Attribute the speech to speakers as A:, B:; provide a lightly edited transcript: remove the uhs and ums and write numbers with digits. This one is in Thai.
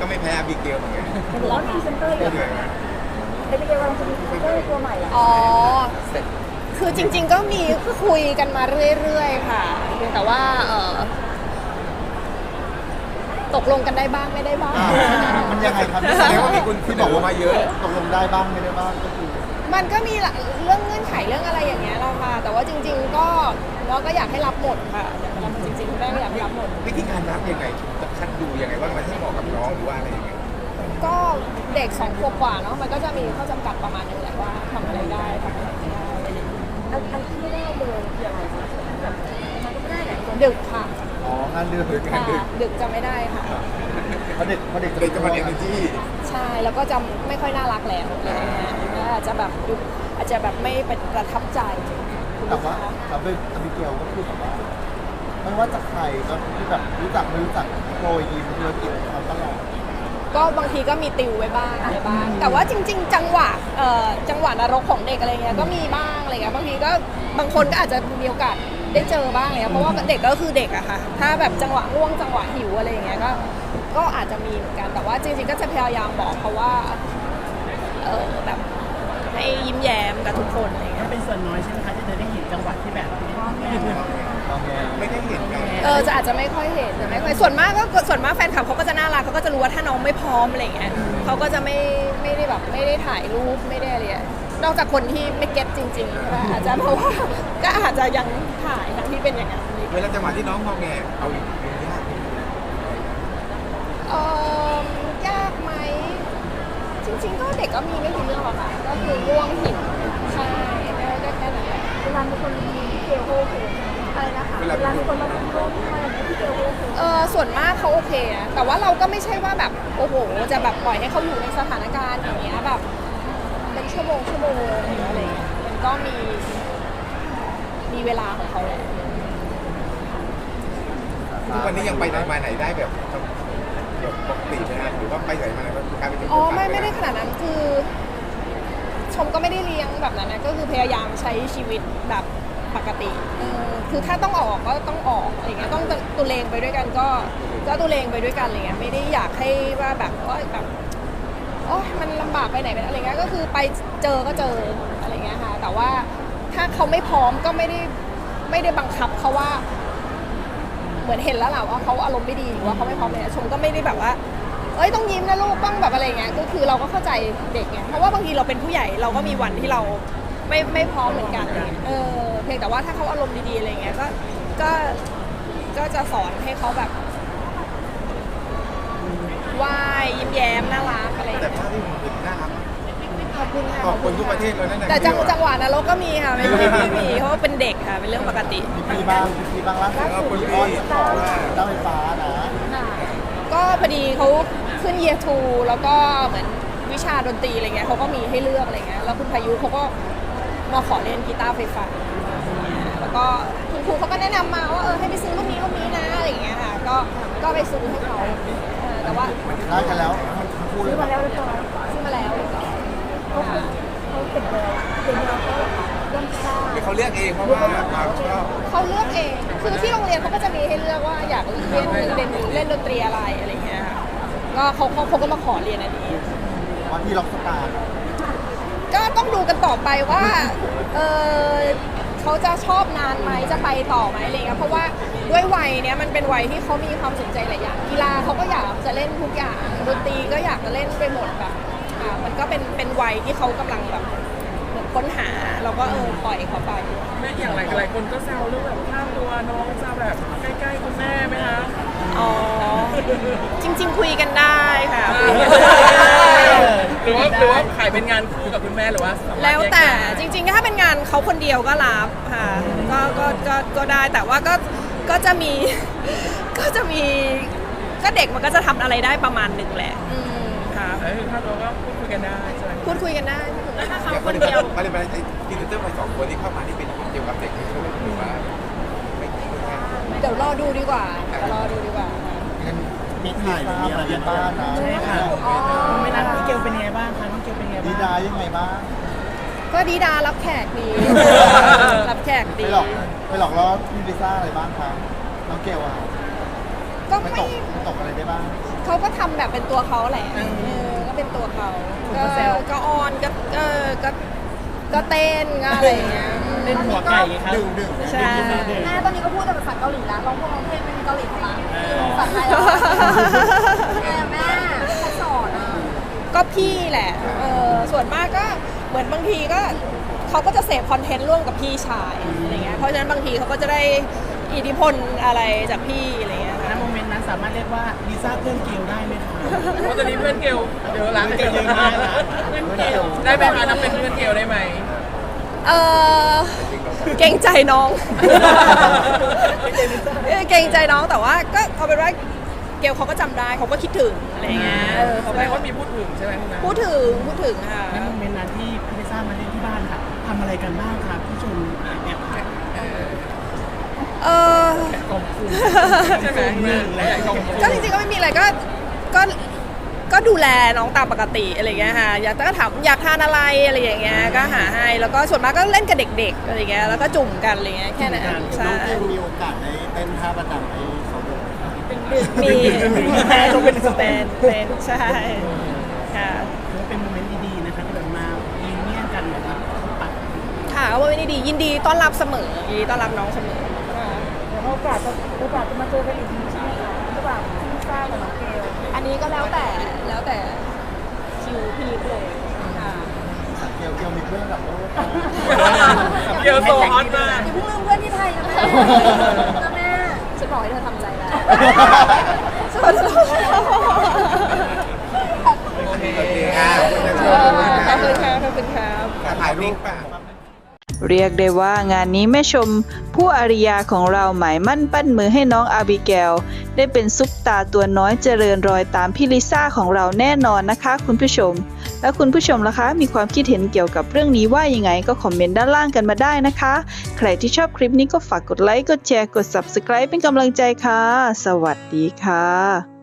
A: ก็ไม่แพ้อาบิเกลเหมือนกัน
B: หรือว่าพรีเซนเตอร์อยู่
A: เหนื่อยไหม
B: เอพิเกลกำลังจะมีพรีเซนเตอร์ตัวใหม่อ่ะ
C: อ๋อ คือจริงๆก็มีคุยกันมาเรื่อยๆค่ะเพียงแต่ว่าตกลงกันได้บ้างไม่ได้บ้าง
D: มันยังไงครับ
A: แสดงว่ามีคุณที่บอกว่ามาเยอะ
D: ตกลงได้บ้างไม่ได้บ้างก็คือ
C: มันก็มีเรื่องเงื่อนไขเรื่องอะไรอย่างเงี้ยเราค่ะ แต่ว่าจริงๆก็เราก็อยากให้รับหมดค่ะจริงๆคุณแม่ก็อยากให้รับหมด
A: วิธีการรับยังไงจะคัดดูยังไงว่ามันให้เหมาะกับน้องหรือว่าอะไรยังไง
C: ก็เด็ก2 ขวบกว่าเนาะมันก็จะมีข้อจำกัดประมาณนึงแหละว่าทำอะไรได้ทำอะไรไม่ได้
B: อันที่ไม่ได้เลยคืออะไรคะแบบมันก็ไม่ได้แหละ
C: ดึกค่ะ
D: อ๋องานเดือน
C: ค่ะดึกจะไม่ได้ค่ะ
D: เพราะเด็ก
A: เด็กจะมาเรียนกันที่
C: ใช่แล้วก็จะไม่ค่อยน่ารักแล้วอะไรอย่างเงี้ยแล้วอาจจะแบบอาจจะแบบไม่ประทับใจคุณ
D: แต่
C: ลูก
D: ว่า
C: ค้า
D: แต่เป็นอบิเกลก็คือแบบว่าไม่ว่าจากใครก็ที่แบบรู้จักไม่รู้จักโปรยยิ้มธุรกิจเขาตลอด
C: ก็บางทีก็มีติวไว้บ้างอะไรบ้างแต่ว่าจริงๆจังหวะนรกของเด็กอะไรเงี้ยก็มีบ้างอะไรเงี้ยบางทีก็บางคนก็อาจจะมีโอกาสได้เจอบ้างเลยเพราะว่าเด็กก็คือเด็กอะค่ะถ้าแบบจังหวะง่วงจังหวะหิวอะไรเงี้ยก็อาจจะมีเหมือนกันแต่ว่าจริงๆก็จะพยายามบอกเขาว่าแบบให้ยิ้มแย้มกับทุกคนอะไรเงี้ย
E: เป็นส่วนน้อยใช่ไหมคะที่จะได้เห็นจังหวัดที่แบบ
A: ไม่ได้เห็นกัน
C: จะอาจจะไม่ค่อยเห็นแต่ไม่ค่อยส่วนมากแฟนคลับเขาก็จะน่ารักเขาก็จะรู้ว่าถ้าน้องไม่พร้อมอะไรเงี้ยเขาก็จะไม่ได้แบบไม่ได้ถ่ายรูปไม่ได้อะไรอะนอกจากคนที่ไม่เก็ตจริงๆก็อาจจะเพราะว่าก็อาจจะยังถ่ายทั้งที่เป็นอย่างนั้น
A: เวลาจังหวะที่น้องมองแงเอาอีกยาก
C: ยากไหมจริงๆก็เด็กก็มีไม่กี่เรื่องหรอกค่ะก็คือง่วงหิวใช่ได้แค่นั้นแหละ
B: เวลามีคนมีพี่เกลโอเค
C: อะไรนะคะ
B: เวลามีคนมาพูดเรื่องที่มาอย่างนี้พี่เกลโอเค
C: ส่วนมากเขาโอเคนะแต่ว่าเราก็ไม่ใช่ว่าแบบโอ้โหจะแบบปล่อยให้เขาอยู่ในสถานการณ์อย่างเงี้ยแบบเป็นชั่วโมงหรืออะไรเงี้ยมันก็มีเวลาของเขาแหละ
A: ทุกวันนี้ยังไปไหนมาไหนได้แบบปกติไหมฮะหรือว่าไปไหนมาไหนก็กลายเป็น
C: อ๋อไม่ได้ขนาดนั้นคือชมก็ไม่ได้เลี้ยงแบบนั้นนะก็คือพยายามใช้ชีวิตแบบปกติคือถ้าต้องออกก็ต้องออกอะไรเงี้ยต้องตุเลงไปด้วยกันก็ตุเลงไปด้วยกันอะไรเงี้ยไม่ได้อยากให้ว่าแบบโอ้ยมันลำบากไปไหนไปอะไรเงี้ยก็คือไปเจอก็เจออะไรเงี้ยค่ะแต่ว่าถ้าเขาไม่พร้อมก็ไม่ได้บังคับเขาว่าเหมือนเห็นแล้วแหละว่าเขาอารมณ์ไม่ดีหรือว่าเขาไม่พร้อมเลยชมก็ไม่ได้แบบว่าเอ้ยต้องยิ้มนะลูกต้องแบบอะไรเงี้ยก็คือเราก็เข้าใจเด็กไงเพราะว่าบางทีเราเป็นผู้ใหญ่เราก็มีวันที่เราไม่พร้อมเหมือนกันเพียงแต่ว่าถ้าเขาอารมณ์ดีๆอะไรเงี้ยก็จะสอนให้เขาแบบว่ายยิ้มแย้มน่ารักอะไร
A: แต่ภาพที่มันเป็นหน้า
C: ขอบคุณค่ะ
A: ขอบคุณทุกประเทศเลยนั่นแหละ
C: แต่จังหวะนรกก็มีค่ะไม่มีเพราะว่าเป็นเด็กค่ะเป็นเรื่องปกติ
D: มีบ้างล่าสุด
A: ขอบคุณ
D: มี
A: พี่
D: อ้อน
A: ขอบคุณ
D: เจ้าไฟฟ้านะ
C: ค่ะก็พอดีเขาขึ้น Year 2แล้วก็เหมือนวิชาดนตรีอะไรเงี้ยเขาก็มีให้เลือกอะไรเงี้ยแล้วคุณพายุเขาก็มาขอเล่นกีตาร์ไฟฟ้าแล้วก็คุณครูเขาก็แนะนำมาว่าให้ไปซื้อรุ่นนี้นะอะไรเงี้ยค่ะก็ไปซื้อให้เขาแต่ว่า
D: ได้กันแล้วพูดเล
B: ซื้
D: ย
B: อมาแล้วเรียบร้อย
C: ซื้อมาแล้ว
B: เขาเก็บเลยเดี๋ยวเราก็เริ่มสร้าง
A: เขาเลือกเองเพราะว่าความชอบ
C: เขาเลือกเองคือที่โรงเรียนเขาก็จะมีให้เลือกว่าอยากเล่นดนตรีอะไรเงี้ยค่ะก็เขาก็มาขอเรียนอันนี้
D: วันที่ล็อกสตาร์
C: ก็ต้องดูกันต่อไปว่าเขาจะชอบนานไหมจะไปต่อไหมอะไรเงี้ยเพราะว่าด้วยวัยเนี้ยมันเป็นวัยที่เขามีความสนใจหลายอย่างกีฬาเขาก็อยากจะเล่นทุกอย่างดนตรีก็อยากจะเล่นไปหมดแบบมันก็เป็นวัยที่เขากำลังแบบเหมือนค้นหาเราก็ปล่อยเขาไป
E: แม่อย่างหลายคนก็แซวเรื่องแบบค่าตัวน้องจะแบบใกล้ๆคุณแม่ไหมคะ
C: อ๋อจริงๆคุยกันได้ค่ะ
E: หรือว่าขายเป็นงานคู่กับคุณแม่หรือว่าสามารถ
C: แล้วแต่
E: ยกได้
C: จริงๆถ้าเป็นงานเขาคนเดียวก็รับค่ะก็ได้แต่ว่าก็จะมี ก็เด็กมันก็จะทำอะไรได้ประมาณหนึ่งแหละค่ะ
E: ค่าตัวก็พูดคุยกันได้ใช่ไหม
C: พูดคุยกันได้แล้วถ้าเขา
A: อย่าง
C: ค
A: คน
C: น
A: เดี
C: เดี
A: ย
C: ยว ว
A: อะไรไปกินเตอร์ไป2 คนที่เข้ามาที่เป็นเกี่ยวกับเด็กที่ช่วยหรือว่าไม่เกี่ยวกัน
C: เดี๋ยวรอดูดีกว่าค่ะ
D: มีถ่ายมีอะไรบ้างนะ
E: ใช่ค่ะไม่นานพี่เกลเป็นยังไงบ้างคะน้องเกลเป็นยังไง
D: ดี
E: บ้าง
D: ดายังไงบ้าง
C: ก็ดีดารับแขกดี รับแขก
D: ไป
C: ดี
D: หลอกแล้วมีลิซ่าอะไรบ้างคะน้องเกลอ่ะ
C: ก็
D: ไม่
C: ไม่
D: ตกอะไรได้บ้าง
C: เขาก็ทำแบบเป็นตัวเขาแหละก็เป็นตัวเขาก็ออนก็เต้นก็อะไรอย่างเงี้ย
E: เล่นหัวไก่ครับ
D: ดึง
C: ใช่
B: แม่ตอนนี้ก็พูดแต่ภาษาเกาหลีแล้วร้องเพลงเป็นเกาหลีทั้งนั้นภาษาไทยแล้วแม่เขาสอนอ่ะ
C: ก็พี่แหละส่วนมากก็เหมือนบางทีก็เขาก็จะเสพคอนเทนต์ร่วมกับพี่ชายอะไรเงี้ยเพราะฉะนั้นบางทีเขาก็จะได้อิทธิพลอะไรจากพี่อะไรเงี้ย
F: ณ
C: ค่ะ
F: โมเมนต์นั้นสามารถเรียกว่าลิซ่าเพื่อนเกลได้ไหมคะ
E: เพราะตอนนี้เพื่อนเกลเดี๋ยวล้างเกล
F: เยอะมากนะ
E: เพื่อนเกลได้ไหมคะนับเป็นเพื่อนเกลได้ไหม
C: เกรงใจน้องเกรงใจน้องแต่ว่าก็เอาเป็นว่าเกลเขาก็จำได้เขาก็คิดถึงอะไรเงี้ยเขา
E: แสดงว่ามีพูดถึงใช่ไหมคุณนะ
C: พูดถึงค่ะ
F: ณโมเมนต์นั้นที่พี่ลิซ่ามาเล่นที่บ้านค่ะทำอะไรกันบ้างครับผู้ชมแอบถ่าย
E: กองคุณใช่ไหมกองคุณ
C: ก็จริงๆก็ไม่มีอะไรก็ดูแลน้องตามปกติอะไรเงี้ยค่ะอยากถามอยากทานอะไรอะไรอย่างเงี้ยก็หาให้แล้วก็ส่วนมากก็เล่นกับเด็กๆอะไรเงี้ยแล้วก็จุ่มกันอะไรเงี้ยแค่นั้น
D: น้
C: ใช่
D: องเกลมีโอกาสได้เต้นท่าประจำให้เขาดูไหมครับ
C: มีแต่ต้องเป็นสเตนเป็นใช่ค่ะ
F: ถือว่าเป็นโมเมนต์ดีๆนะคะที่แบบมารีเนียนกันแบบว่าปัด
C: ค่ะก็ไม่ได้ดียินดีต้อนรับเสมอยินดีต้อนรับน้องเสมอค่ะ
B: เดี๋ยวโอกาสจะมาเจอกันอีกทีใช่ไหมคะระหว่างพี่ซ่ากับน้องเกล
C: อันนี้ก็แล้วแต่คิวพีคเลยค่ะ
D: เกลมีเพื่อนกับโลก
E: เกลโซฮอตมาก
B: อย่าเพิ่งลืมเพื่อนที่ไทยนะแม่นะแม่
C: ฉันบอกให้เธอทำใจแล้ว
A: โอเคค่ะ
C: ขอบคุณครับขอบคุณครับ
A: ถ่ายรูปป่ะ
G: เรียกได้ว่างานนี้แม่ชม ผู้อาริยาของเราหมายมั่นปั้นมือให้น้องอาบิเกลได้เป็นซุปตาตัวน้อยเจริญรอยตามพี่ลิซ่าของเราแน่นอนนะคะคุณผู้ชม แล้วคุณผู้ชมล่ะคะมีความคิดเห็นเกี่ยวกับเรื่องนี้ว่ายังไงก็คอมเมนต์ด้านล่างกันมาได้นะคะ ใครที่ชอบคลิปนี้ก็ฝากกดไลค์กดแชร์กด Subscribe เป็นกำลังใจค่ะ สวัสดีค่ะ